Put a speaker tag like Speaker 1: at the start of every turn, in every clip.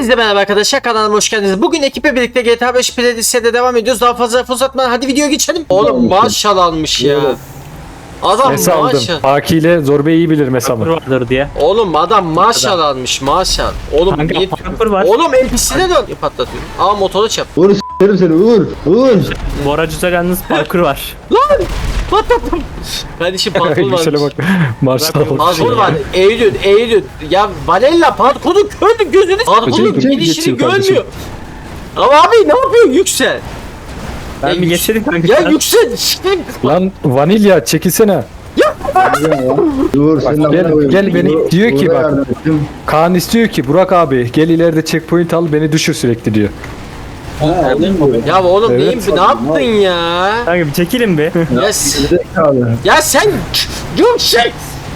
Speaker 1: Hepinize merhaba arkadaşlar, kanalıma hoş geldiniz. Bugün ekiple birlikte GTA 5 playlist'e devam ediyoruz. Daha fazla laf uzatmadan hadi videoya geçelim. Oğlum maşallah almış ya. Adam
Speaker 2: Mesa aldım.
Speaker 1: maşallah.
Speaker 2: Haki ile Zor Bey iyi bilir Mesa'mı.
Speaker 3: vardır diye.
Speaker 1: Oğlum adam maşallah almış maşallah. Oğlum
Speaker 3: Kanka
Speaker 1: niye...
Speaker 3: parkur var.
Speaker 1: Oğlum NPC'ne dön. Patlatıyorum. Aa motoru çap.
Speaker 4: Uğur s**erim seni Uğur.
Speaker 3: Bora Cüzel yalnız parkur var.
Speaker 1: Lan patlattım. Kardeşim parkur
Speaker 2: Yüksel'e
Speaker 1: varmış.
Speaker 2: bak. Maşallah.
Speaker 1: Parkur var. Eğilün. Ya Valella parkurun kördü gözünü. Parkurun
Speaker 2: Hocam,
Speaker 1: gidişini
Speaker 2: geçiyor kardeşim.
Speaker 1: görmüyor. Ama abi ne yapıyorsun Yüksel?
Speaker 3: Ben bir geçelim kanka.
Speaker 1: Ya Yüksel. Şiştim.
Speaker 2: Lan vanilya çekilsene.
Speaker 4: Uğur senin
Speaker 2: gel,
Speaker 4: amına koyayım.
Speaker 2: gel beni diyor ki
Speaker 4: Uğur'a
Speaker 2: bak.
Speaker 4: yardım ettim.
Speaker 2: Kaan istiyor ki Burak abi gel ileride checkpoint al beni düşür sürekli diyor.
Speaker 1: Ya oğlum
Speaker 2: Evet.
Speaker 1: neyim ne yaptın ya?
Speaker 3: Kanka bir çekilin bir.
Speaker 1: Ya,
Speaker 4: Zekalı.
Speaker 1: ya sen Yüksel.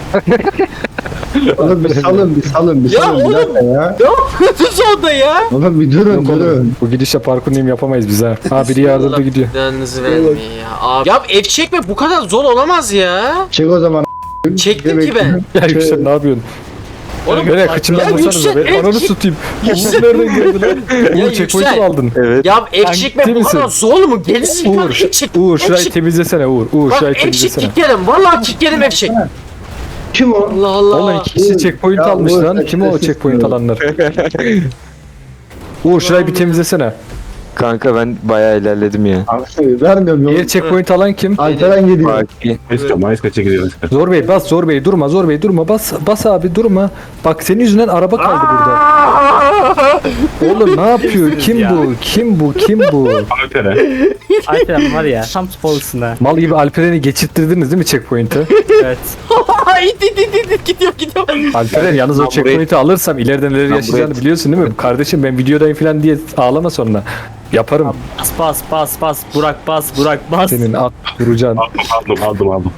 Speaker 4: Oğlum bir salın
Speaker 1: Ya
Speaker 4: salın bir
Speaker 1: oğlum.
Speaker 4: dakika ya.
Speaker 1: Ne yapıyorsunuz orada ya?
Speaker 4: Oğlum bir durun
Speaker 2: Yok
Speaker 4: durun.
Speaker 2: oğlum, bu gidişle parkur neyim yapamayız biz ha. Ha biri yardımda gidiyor.
Speaker 1: Canınızı vermeyin ya. Abi. Ya ev çekmek bu kadar zor olamaz ya.
Speaker 4: Çek o zaman.
Speaker 1: Çektim ki ben.
Speaker 2: Ya Yüksel ne yapıyorsun?
Speaker 1: Oğlum
Speaker 2: Nereye kıçımdan
Speaker 1: ya
Speaker 2: vursanıza
Speaker 1: Yüksel,
Speaker 2: be. Ananı tutayım. Yüksel nereden geldi lan?
Speaker 1: Ya
Speaker 2: Uğur checkpoint'i
Speaker 1: Yüksel.
Speaker 2: mi aldın?
Speaker 5: Evet.
Speaker 1: ya ev çekmek
Speaker 2: ciddi
Speaker 1: bu kadar
Speaker 2: misin?
Speaker 1: zor mu? Gerisi
Speaker 2: Uğur, Uğur şurayı
Speaker 1: çek.
Speaker 2: temizlesene Uğur. Uğur
Speaker 1: Bak
Speaker 2: şurayı
Speaker 1: ev çek
Speaker 2: temizlesene.
Speaker 1: kilitlerim. Vallahi kilitlerim ev çek.
Speaker 4: Kim o?
Speaker 1: Allah Allah.
Speaker 2: Oğlum iki kişi checkpoint
Speaker 4: Ya
Speaker 2: almış
Speaker 4: Uğur,
Speaker 2: lan. Kim o
Speaker 4: sessiz
Speaker 2: checkpoint
Speaker 4: dur.
Speaker 2: alanlar? Uğur şurayı bir temizlesene.
Speaker 5: Kanka ben bayağı ilerledim ya.
Speaker 4: Abi vermiyorum
Speaker 2: Diğer
Speaker 4: yolu.
Speaker 2: checkpoint alan kim?
Speaker 4: Alperen gidiyor.
Speaker 5: Baki.
Speaker 6: Mayıs kaça gidiyoruz?
Speaker 2: Zor Bey bas, Zor Bey durma, Zor Bey durma, bas abi durma. Bak senin yüzünden araba kaldı burada. Oğlum ne yapıyor? Kim bu? Kim bu?
Speaker 6: Alper'e.
Speaker 3: Alperen var ya tam sporlusun ha.
Speaker 2: Mal gibi Alperen'i geçirttirdiniz değil mi checkpoint'i?
Speaker 3: Evet.
Speaker 1: Gidiyor.
Speaker 2: Alperen yalnız o
Speaker 5: Lan
Speaker 2: checkpoint'i alırsam ileride neler
Speaker 5: Lan
Speaker 2: yaşayacağını
Speaker 5: buraya-
Speaker 2: biliyorsun değil mi? Kardeşim ben videodayım falan diye ağlama sonra. Yaparım.
Speaker 3: Bas. Burak bas.
Speaker 2: Senin at vuracaksın.
Speaker 6: Aldım.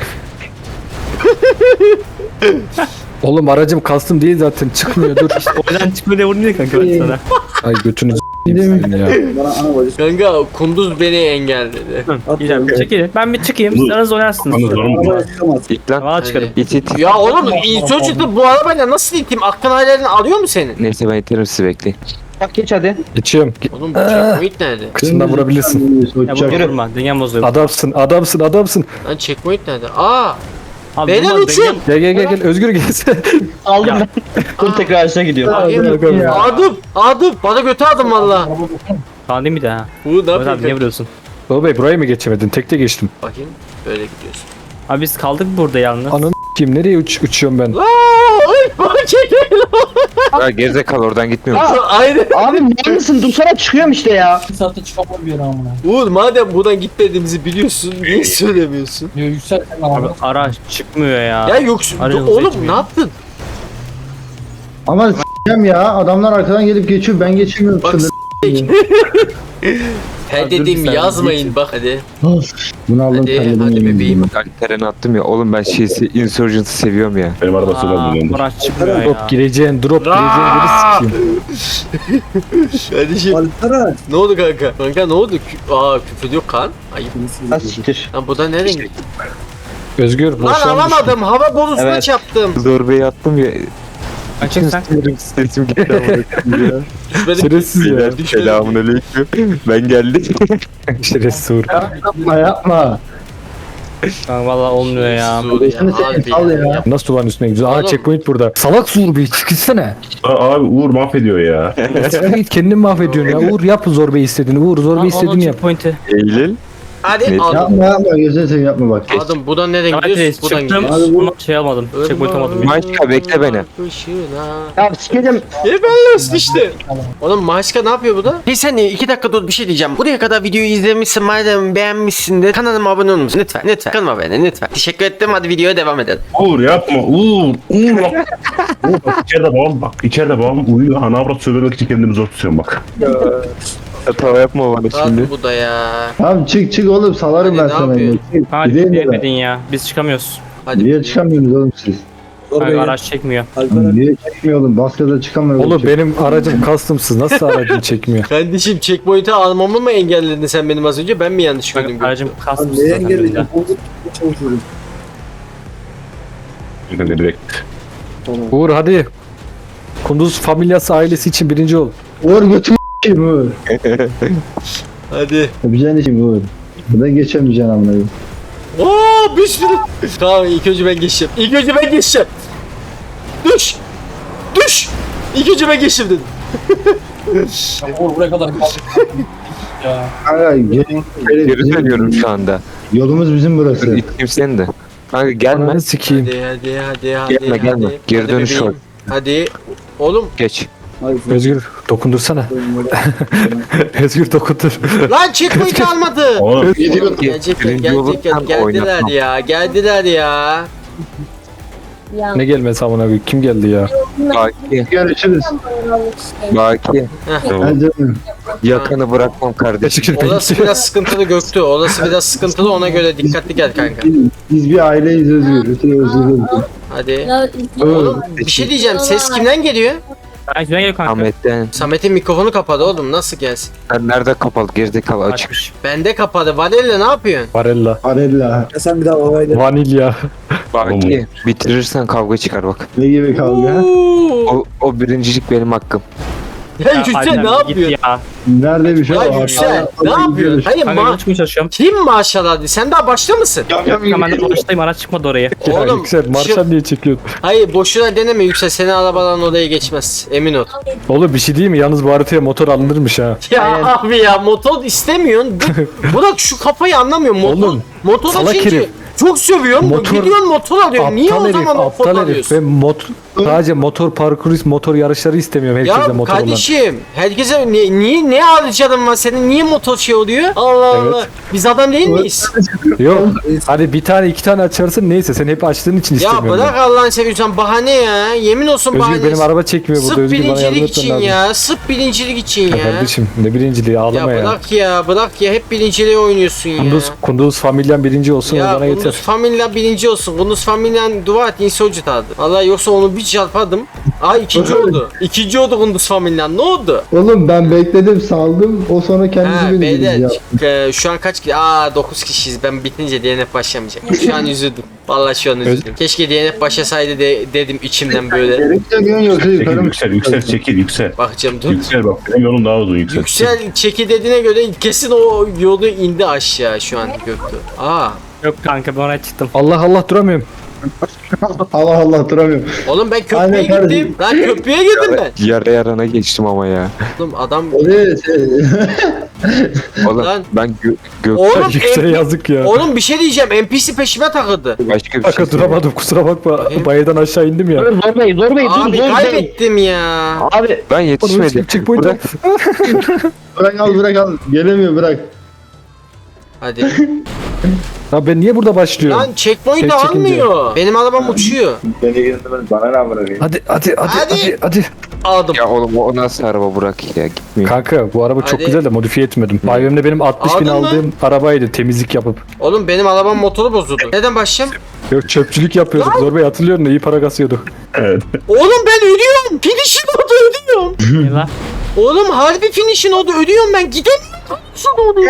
Speaker 2: Oğlum aracım kastım değil zaten çıkmıyor dur.
Speaker 3: Oradan çıkma diye vurmuyor kanka ben sana.
Speaker 2: Ay götünü s**eyim senin ya.
Speaker 1: Kanka kunduz beni engelledi.
Speaker 3: Güzel bir çekilin. Ben bir çıkayım. Siz aranız oynarsınız.
Speaker 6: Anı zor mu?
Speaker 5: İlk lan.
Speaker 3: Valla çıkarım.
Speaker 5: İt.
Speaker 1: Ya oğlum insan çıktı bu arabayla nasıl iteyim? Aklın hayallerini alıyor mu senin?
Speaker 5: Neyse ben iterim sizi bekleyin.
Speaker 2: Geçiyorum.
Speaker 1: Oğlum bu checkpoint nerede?
Speaker 2: Kıçından vurabilirsin.
Speaker 3: Ya vurma. Dünya bozuyor.
Speaker 2: Adamsın.
Speaker 1: Lan checkpoint nerede? Aa!
Speaker 3: Abi,
Speaker 1: Beyler
Speaker 3: vurma,
Speaker 1: uçun!
Speaker 2: Gel Özgür gelsene.
Speaker 3: Aldım ben.
Speaker 1: Dur
Speaker 3: tekrar aşağı gidiyor.
Speaker 1: Adım! Bana götü adım valla.
Speaker 3: Tamam değil mi de ha?
Speaker 1: Bu ne
Speaker 3: Evet abi niye
Speaker 1: yapayım?
Speaker 3: vuruyorsun?
Speaker 2: Zor Bey burayı mı geçemedin? Tekte geçtim.
Speaker 1: Bakayım böyle gidiyorsun.
Speaker 3: Abi biz kaldık burada yalnız.
Speaker 2: Ananı s**eyim nereye uçuyorum ben?
Speaker 1: Ay bana çekelim.
Speaker 5: Ya gerizekalı oradan gitmiyor musun?
Speaker 1: Aynen.
Speaker 7: Abi mal mısın? Dursana çıkıyorum işte ya.
Speaker 1: Uğur madem buradan gitmediğimizi biliyorsun niye söylemiyorsun?
Speaker 3: Abi araç çıkmıyor ya.
Speaker 1: Ya yoksun.
Speaker 3: Arıyoruz,
Speaker 1: Oğlum
Speaker 3: geçmiyor.
Speaker 1: ne yaptın?
Speaker 4: Ama s**eceğim ya. Adamlar arkadan gelip geçiyor. Ben geçemiyorum.
Speaker 1: Bak
Speaker 4: Sınır.
Speaker 1: Her
Speaker 3: Dur
Speaker 1: dediğimi
Speaker 3: bir saniye,
Speaker 1: yazmayın bak hadi.
Speaker 4: Bunu aldım.
Speaker 1: Hadi,
Speaker 4: terledim,
Speaker 1: hadi
Speaker 4: yemin
Speaker 1: bebeğim.
Speaker 4: ediyorum.
Speaker 5: Alperen'i attım ya. Oğlum ben Insurgent'ı seviyorum ya.
Speaker 6: Benim araba sola bulundu.
Speaker 3: Araç çıkmıyor ya.
Speaker 2: Drop gireceğin yeri sikeyim.
Speaker 1: Kardeşim. Ne oldu kanka? Kanka ne oldu? Küfür yok kan. Ayıp.
Speaker 7: Ha siktir.
Speaker 1: Lan bu da nereden gitti?
Speaker 2: Özgür
Speaker 1: Lan
Speaker 2: boşluğa mı düştün?
Speaker 1: alamadım. Hava bonusuna
Speaker 7: Evet.
Speaker 1: çarptım.
Speaker 5: Zor Bey'i attım ya.
Speaker 3: Açık sen.
Speaker 5: Sesim gitti ama.
Speaker 1: Düşmedim.
Speaker 2: Şerefsiz ya.
Speaker 1: Düşmedim.
Speaker 5: Selamünaleyküm. Ben geldim.
Speaker 2: Şerefsiz Uğur.
Speaker 4: Yapma.
Speaker 3: Kanka valla olmuyor ya.
Speaker 1: Sus ya,
Speaker 4: Seni
Speaker 1: harbi
Speaker 4: sal ya.
Speaker 2: Nasıl duvarın üstüne gidiyorsun? Aa
Speaker 1: Oğlum.
Speaker 2: checkpoint burada. Salak Zor Bey çıkışsana.
Speaker 6: Abi Uğur mahvediyor ya.
Speaker 2: Sen git kendin mahvediyorsun ya. Uğur yap Zor Bey istediğini. Uğur Zor Bey istediğini yap.
Speaker 3: Checkpoint'i.
Speaker 5: Eylül.
Speaker 1: Hadi
Speaker 5: Ne?
Speaker 1: aldım.
Speaker 4: Yapma. Gözünü seveyim yapma bak.
Speaker 1: Aldım. Buradan nereden
Speaker 3: Evet
Speaker 1: gidiyorsun? Buradan
Speaker 3: çıktım
Speaker 1: gidiyorsun.
Speaker 3: ama şey almadım. Checkpoint almadım.
Speaker 5: Maşka, bekle beni.
Speaker 7: Ya sikeceğim.
Speaker 1: Belli işte. Oğlum Maşka ne yapıyor burada? Bir saniye 2 dakika dur bir şey diyeceğim. Buraya kadar videoyu izlemişsin madem beğenmişsin de kanalıma abone olur musun? Lütfen kanalıma abone lütfen. Teşekkür ettim hadi videoya devam edelim.
Speaker 6: Uğur yapma. Uğur bak. Uğur bak içeride babam uyuyor. Ana avrat söylemek için kendimi zor tutuyorum bak.
Speaker 5: Hata yapma bana şimdi.
Speaker 1: Rahat bu da ya.
Speaker 4: Tamam çık oğlum. Salarım
Speaker 1: Hadi,
Speaker 4: ben
Speaker 1: ne
Speaker 4: sana.
Speaker 1: yapıyorsun?
Speaker 4: Çık.
Speaker 3: Hadi
Speaker 4: Gideyim mi ben?
Speaker 3: diyemedin ya. Biz çıkamıyoruz.
Speaker 1: Hadi.
Speaker 4: Niye çıkamıyorsunuz oğlum siz?
Speaker 3: Kanka araç çekmiyor.
Speaker 4: Niye çekmiyor oğlum? Baskıda çıkamıyor.
Speaker 2: Oğlum benim aracım customsız. Nasıl aracın çekmiyor?
Speaker 1: Kardeşim checkpoint'i almamı mı engelledin sen benim az önce? Ben mi yanlış gördüm?
Speaker 3: Kanka aracım kasmış zaten benim de.
Speaker 6: Direkt.
Speaker 2: Uğur hadi. Kunduz familyası ailesi için birinci ol.
Speaker 4: Uğur götür kim Uğur?
Speaker 1: Hadi.
Speaker 4: Yapacaksın işim Uğur. Buradan geçemeyeceksin amına koyayım.
Speaker 1: Oo bir sürü. Tamam ilk önce ben geçeceğim. İlk önce ben geçeceğim. Düş. Düş. İlk önce ben geçeyim dedim.
Speaker 4: Kanka
Speaker 5: Geri dönüyorum şu anda.
Speaker 4: yolumuz bizim burası.
Speaker 5: İttim seni de. Kanka gelme.
Speaker 2: Ananı sikeyim.
Speaker 1: Hadi.
Speaker 5: Gelme. Geri
Speaker 1: Hadi
Speaker 5: dönüş
Speaker 1: bebeğim.
Speaker 5: yok.
Speaker 1: Hadi. Oğlum
Speaker 5: Geç.
Speaker 2: Özgür dokundursana. Özgür dokundur.
Speaker 1: lan checkpoint almadı.
Speaker 6: Oğlum
Speaker 1: Gelecekler
Speaker 5: Birinci olursan oynatmam.
Speaker 1: geldiler ya.
Speaker 2: Ne gelmesi amına koyayım? Kim geldi ya?
Speaker 5: Baki.
Speaker 4: Görüşürüz.
Speaker 5: Baki.
Speaker 4: Hadi canım.
Speaker 5: Yakanı bırakmam kardeşim.
Speaker 2: Teşekkür
Speaker 1: Orası biraz sıkıntılı Göktü. Orası biraz sıkıntılı ona göre dikkatli gel kanka.
Speaker 4: Biz bir aileyiz Özgür. Ötürü özür
Speaker 1: Hadi. Oğlum bir şey diyeceğim. Ses kimden geliyor?
Speaker 3: Ben kimden geliyor kanka?
Speaker 5: Ahmet'ten.
Speaker 1: Samet'in mikrofonu kapadı oğlum. Nasıl gelsin?
Speaker 5: Nerede kapalı? Gerizekalı açık.
Speaker 3: Açmış.
Speaker 1: Bende kapadı. Vanilla ne yapıyorsun?
Speaker 2: Varella.
Speaker 4: Arella.
Speaker 2: Vanilya.
Speaker 5: Baki. Bitirirsen kavga çıkar bak.
Speaker 4: Ne gibi kavga?
Speaker 5: O birincilik benim hakkım.
Speaker 1: Ya Yüksel
Speaker 3: Alper,
Speaker 1: ne
Speaker 3: git
Speaker 1: yapıyorsun?
Speaker 3: Ya.
Speaker 4: Nerede bir şey
Speaker 1: Ya
Speaker 4: var?
Speaker 1: Yüksel ne yapıyorsun? Hayır
Speaker 3: Kanka yol çıkmaya çalışıyorum.
Speaker 1: kim maşallah diye. Sen daha başta mısın?
Speaker 3: Kanka ben de baştayım araç çıkmadı oraya.
Speaker 2: Ya
Speaker 1: Oğlum,
Speaker 2: Yüksel marşal niye çekiyorsun?
Speaker 1: Hayır boşuna deneme Yüksel. Seni arabadan odaya geçmez. Emin ol.
Speaker 2: Oğlum bir şey değil mi? Yalnız bu haritaya motor alınırmış ha.
Speaker 1: Ya abi ya motor istemiyorsun. Bırak şu kafayı anlamıyorum.
Speaker 2: Oğlum,
Speaker 1: motor
Speaker 2: salak
Speaker 1: açınca
Speaker 2: herif.
Speaker 1: çok seviyorum.
Speaker 2: Motor-
Speaker 1: Gidiyorsun motor alıyorsun. Niye o
Speaker 2: Aptal herif,
Speaker 1: zaman motor
Speaker 2: aptal herif.
Speaker 1: alıyorsun?
Speaker 2: Ben sadece motor parkuru, motor yarışları istemiyorum herkese
Speaker 1: Ya
Speaker 2: motor olan.
Speaker 1: kardeşim herkese niye ne harcadın var senin niye motor şey oluyor? Allah
Speaker 2: Evet.
Speaker 1: Allah. Biz adam değil miyiz?
Speaker 2: Yok. Hadi bir tane iki tane açarsın neyse sen hep açtığın için
Speaker 1: Ya
Speaker 2: istemiyorum.
Speaker 1: bırak Allah'ını seviyorsan bahane ya. Yemin olsun
Speaker 2: Özgür
Speaker 1: bahane.
Speaker 2: benim araba çekmiyor burada.
Speaker 1: Sırf
Speaker 2: Özgür bana yardım
Speaker 1: birincilik
Speaker 2: etmen
Speaker 1: için
Speaker 2: lazım.
Speaker 1: ya. Sırf birincilik için
Speaker 2: Ya
Speaker 1: ya.
Speaker 2: kardeşim ne birinciliği ağlama
Speaker 1: Ya
Speaker 2: ya.
Speaker 1: bırak ya hep birinciliğe oynuyorsun ya.
Speaker 2: Kunduz familyan birinci olsun o
Speaker 1: Ya
Speaker 2: bana yeter.
Speaker 1: Kunduz familya birinci olsun. Kunduz familyan dua et insolcu tadı. Vallahi yoksa onu bir çarpadım. Aa ikinci oldu. İkinci oldu Kunduz familyan. Ne oldu?
Speaker 4: Oğlum ben bekledim saldım. O sonra kendisi
Speaker 1: Ha
Speaker 4: beni
Speaker 1: beyler
Speaker 4: ya.
Speaker 1: şu an kaç kişi? Aa 9 kişiyiz. Ben bitince DNF başlamayacak. Şu an üzüldüm. Vallahi şu an üzüldüm. Keşke DNF başlasaydı dedim içimden böyle.
Speaker 4: Gerekçe diyorsun yoksa
Speaker 6: çekil
Speaker 4: yukarı mı?
Speaker 6: yüksel çekil yüksel.
Speaker 1: Bakacağım dur.
Speaker 6: Yüksel bak benim yolum daha uzun yüksel.
Speaker 1: Yüksel çeki dediğine göre kesin o yolu indi aşağı şu an Göktuğ. Aa
Speaker 3: Yok kanka ben oraya çıktım.
Speaker 2: Allah Allah duramıyorum.
Speaker 4: Allah Allah duramıyorum.
Speaker 1: oğlum ben köprüye
Speaker 4: Aynen
Speaker 1: gittim.
Speaker 4: kardeşim.
Speaker 1: Lan köprüye girdim ben.
Speaker 5: Yarana geçtim ama ya.
Speaker 1: Oğlum adam
Speaker 4: Evet.
Speaker 5: Oğlum
Speaker 1: Lan.
Speaker 5: ben
Speaker 1: Oğlum,
Speaker 2: Yüksel'e yazık ya.
Speaker 1: Oğlum bir şey diyeceğim. NPC peşime takıldı.
Speaker 5: başka bir şey
Speaker 2: Kanka duramadım kusura bakma. Bayırdan aşağı indim ya.
Speaker 7: Dur Zor Bey dur
Speaker 1: Abi
Speaker 7: Zor Bey.
Speaker 1: kaybettim ya.
Speaker 7: Abi
Speaker 5: Ben yetişmedim.
Speaker 2: Checkpoint
Speaker 5: Bırak.
Speaker 4: Bırak al. Gelemiyor bırak.
Speaker 1: Hadi.
Speaker 2: Ya ben niye burada başlıyorum?
Speaker 1: Lan checkpoint
Speaker 2: Tek çekince.
Speaker 1: almıyor. Benim arabam uçuyor.
Speaker 4: Beni girdirmez bana ne bırakayım.
Speaker 2: Hadi.
Speaker 1: Aldım.
Speaker 5: Ya oğlum o nasıl araba bırak ya gitmiyor.
Speaker 2: Kanka bu araba çok
Speaker 1: Hadi.
Speaker 2: güzel de modifiye etmedim. Bayramda benim 60 bin
Speaker 1: Aldın mı?
Speaker 2: aldığım arabaydı temizlik yapıp.
Speaker 1: Oğlum benim arabam motoru bozuldu. Neden başlayayım?
Speaker 2: Yok çöpçülük yapıyorduk. Zor Bey hatırlıyor musun? İyi para kasıyorduk.
Speaker 6: Evet.
Speaker 1: Oğlum ben ödüyorum. Finish'in oldu ödüyorum.
Speaker 3: Ne lan?
Speaker 1: Oğlum harbi finish'in oldu ödüyorum ben. Gidemiyorum. Nasıl oldu ya?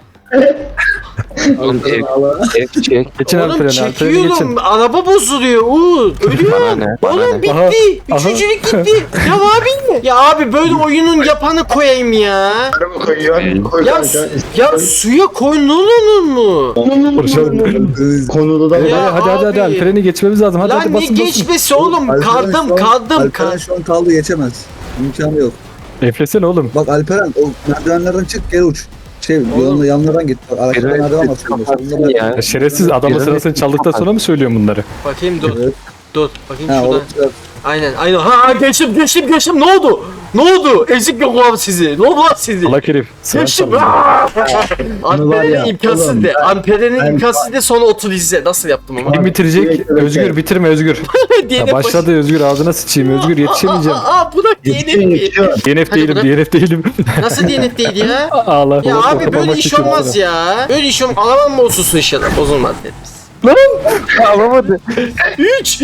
Speaker 5: Oğlum ev çek.
Speaker 2: Geçin
Speaker 1: Oğlum
Speaker 2: Alperen'e. Alperen'e
Speaker 1: çekiyorum.
Speaker 2: geçin.
Speaker 1: Araba bozuluyor.
Speaker 5: Bana
Speaker 1: Ödüyorum.
Speaker 5: ne? Bana
Speaker 1: Oğlum
Speaker 5: ne?
Speaker 1: bitti.
Speaker 2: Aha,
Speaker 1: Üçüncülük gitti. Ya abi. Ya abi böyle oyunun yapanı koyayım ya.
Speaker 4: Araba koyuyor. Koy
Speaker 1: Ya,
Speaker 4: kanka.
Speaker 1: ya suya koyulur mu?
Speaker 4: Konuda da
Speaker 1: Ya
Speaker 2: Hadi
Speaker 1: abi.
Speaker 2: Alperen'i geçmemiz lazım. Hadi
Speaker 1: Lan
Speaker 2: hadi
Speaker 1: ne
Speaker 2: basın basın.
Speaker 1: geçmesi oğlum? Kaldım.
Speaker 8: Alperen şu an kaldı geçemez. İmkanı yok.
Speaker 2: Eflesene oğlum.
Speaker 8: Bak Alperen o merdivenlerden çık geri uç. Yolunda yanlardan git. Bak araçtan merdiven var sonunda. Sonunda
Speaker 5: Ya.
Speaker 2: Ya şerefsiz adamın sırasını çaldıktan sonra mı söylüyorsun bunları?
Speaker 1: Bakayım dur.
Speaker 8: Evet.
Speaker 1: Dur. Bakayım
Speaker 8: Ha
Speaker 1: şurada.
Speaker 8: orada
Speaker 1: Aynen. Ha geçtim. Ne oldu? Ne oldu? Ezik yok lan sizi. Ne oldu lan sizi?
Speaker 2: Allah herif. Sıran
Speaker 1: Geçtim.
Speaker 2: çaldı.
Speaker 4: Bunu var ya,
Speaker 1: Ampere'nin imkansız
Speaker 4: oğlum,
Speaker 1: de. Ampere'nin
Speaker 4: ben-
Speaker 1: imkansız de sonra otur izle. Nasıl yaptım ama?
Speaker 2: Kim bitirecek?
Speaker 4: Evet.
Speaker 2: Özgür bitirme Özgür.
Speaker 1: DNF
Speaker 2: Ya başladı Özgür ağzına sıçayım Özgür yetişemeyeceğim.
Speaker 1: Bırak DNF.
Speaker 2: DNF
Speaker 1: Hadi
Speaker 2: değilim
Speaker 1: bırak.
Speaker 2: DNF değilim.
Speaker 1: Nasıl DNF değil ya?
Speaker 2: Ağla.
Speaker 1: Ya
Speaker 2: Oğlum,
Speaker 1: abi böyle
Speaker 2: kafama
Speaker 1: iş
Speaker 2: çekiyor
Speaker 1: olmaz
Speaker 2: sana.
Speaker 1: ya. Böyle iş olmaz. Alamam mı olsun inşallah. Bozulmaz dediniz.
Speaker 5: Alamadı.
Speaker 1: 3.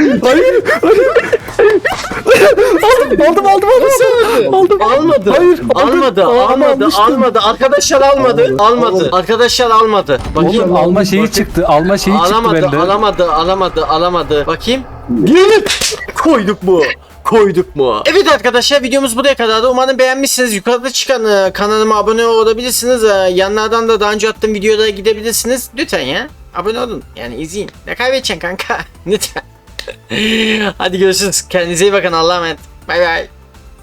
Speaker 2: Aldım.
Speaker 1: Almadı.
Speaker 2: Hayır,
Speaker 1: Almadı. Arkadaşlar almadı. Arkadaşlar almadı. Bakayım.
Speaker 2: Oğlum alma şeyi çıktı. Alma şeyi çıktı bende.
Speaker 1: Alamadı. Bakayım. Gelip koyduk bu. koyduk mu? Evet arkadaşlar videomuz buraya kadardı. Umarım beğenmişsiniz. Yukarıda çıkan kanalıma abone olabilirsiniz. Yanlardan da daha önce attığım videolara gidebilirsiniz. Lütfen ya. Abone olun. Yani izleyin. Ne kaybedeceksin kanka? Lütfen. Hadi görüşürüz. Kendinize iyi bakın. Allah'a emanet. Bay bay.